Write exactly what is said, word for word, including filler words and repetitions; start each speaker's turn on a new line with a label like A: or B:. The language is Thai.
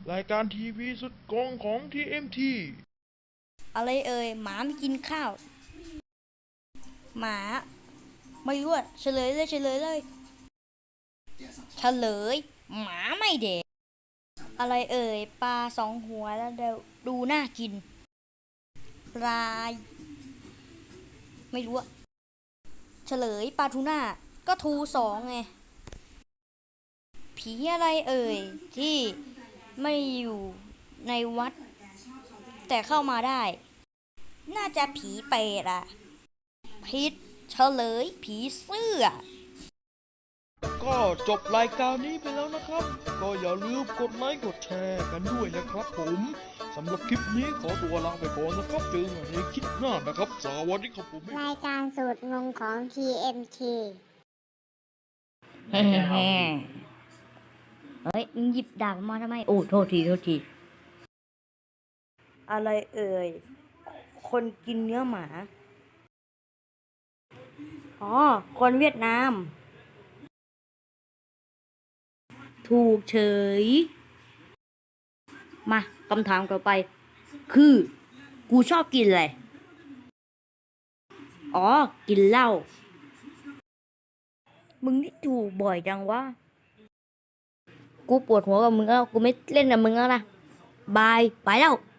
A: รายการทีวีสุดกองของ ที เอ็ม ที
B: อะไรเอ่ยหมาไม่กินข้าวหมาไม่รู้อะเฉลยเลยเฉลยเลยเฉลยหมาไม่เด็กอะไรเอ่ยปลาสองหัวแล้วเดี๋ยวดูน่ากินปลาไม่รู้อะเฉลยปลาทูน่าก็ทูสองไงผีอะไรเอ่ยที่ไม่อยู่ในวัดแต่เข้ามาได้น่าจะผีเปรตอะพิษเฉลยผีเสื้อ
A: ก็จบรายการนี้ไปแล้วนะครับ ก็อย่าลืมกดไลค์กดแชร์กันด้วยนะครับผมสำหรับคลิปนี้ขอตัวลาไปก่อนนะครับเจอกันในคลิปหน้านะครับสวัสดีครับผม
C: รายการสูตรงงของ ที เอ็ม ที
B: แฮ่แฮ่เฮ้ยมึงหยิบดาบมาทำไมโอ้โทษทีโทษทีอะไรเอ่ยคนกินเนื้อหมาอ๋อคนเวียดนามถูกเฉยมาคำถามต่อไปคือกูชอบกินอะไรอ๋อกินเหล้ามึงนี่ถูกบ่อยจังวะกูปวดหัวกับมึงแล้วกูไม่เล่นกับมึงแล้วนะบายไปแล้ว